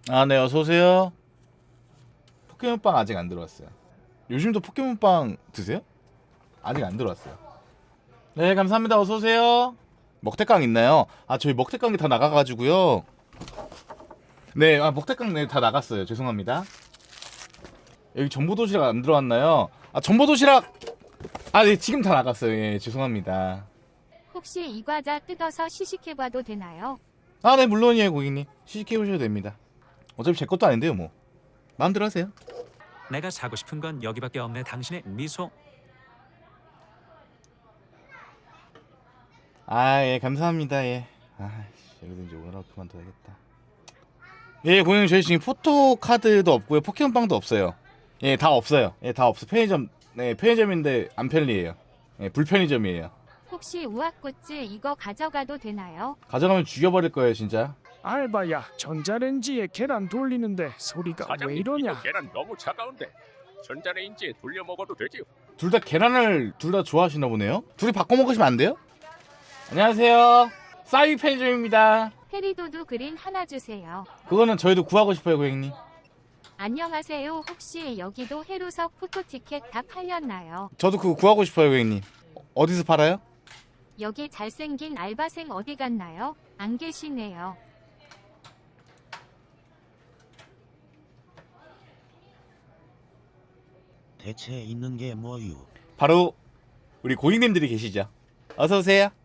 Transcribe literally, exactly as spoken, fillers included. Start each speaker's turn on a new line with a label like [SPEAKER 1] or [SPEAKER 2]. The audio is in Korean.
[SPEAKER 1] 아, 네, 어서 오세요. 포켓몬빵 아직 안 들어왔어요. 요즘도 포켓몬빵 드세요? 아직 안 들어왔어요. 네, 감사합니다. 어서 오세요. 먹태깡 있나요? 아, 저희 먹태깡이 다 나가가지고요. 네, 아, 먹태깡 네, 다 나갔어요. 죄송합니다. 여기 전보도시락 안 들어왔나요? 아, 전보도시락. 아, 네, 지금 다 나갔어요. 예, 죄송합니다.
[SPEAKER 2] 혹시 이 과자 뜯어서 시식해봐도 되나요?
[SPEAKER 1] 아, 네, 물론이에요, 고객님. 시식해보셔도 됩니다. 어차피 제 것도 아닌데요, 뭐. 마음대로 하세요.
[SPEAKER 3] 내가 사고 싶은 건 여기밖에 없네. 당신의 미소.
[SPEAKER 1] 아, 예, 감사합니다. 예. 아, 여기서 이제 오늘 하루 그만둬야겠다. 예, 고객님, 저희 지금 포토카드도 없고요, 포켓몬빵도 없어요. 예, 다 없어요. 예, 다 없어. 편의점, 네, 편의점인데 안 편리해요. 예, 불편의점이에요.
[SPEAKER 2] 혹시 우악꽃즈 이거 가져가도 되나요?
[SPEAKER 1] 가져가면 죽여버릴 거예요, 진짜.
[SPEAKER 4] 알바야, 전자레인지에 계란 돌리는데 소리가 왜
[SPEAKER 5] 사장님,
[SPEAKER 4] 이러냐?
[SPEAKER 5] 이거 계란 너무 차가운데 전자레인지에 돌려 먹어도 되지요?
[SPEAKER 1] 둘 다 계란을 둘 다 좋아하시나 보네요. 둘이 바꿔 먹으시면 안 돼요? 안녕하세요. 싸이 편의점입니다.
[SPEAKER 2] 페리도두 그린 하나 주세요.
[SPEAKER 1] 그거는 저희도 구하고 싶어요, 고객님.
[SPEAKER 2] 안녕하세요. 혹시 여기도 해루석 포토티켓 다 팔렸나요?
[SPEAKER 1] 저도 그거 구하고 싶어요, 고객님. 어, 어디서 팔아요?
[SPEAKER 2] 여기 잘생긴 알바생 어디 갔나요? 안 계시네요.
[SPEAKER 6] 대체 있는 게 뭐유?
[SPEAKER 1] 바로 우리 고객님들이 계시죠. 어서 오세요.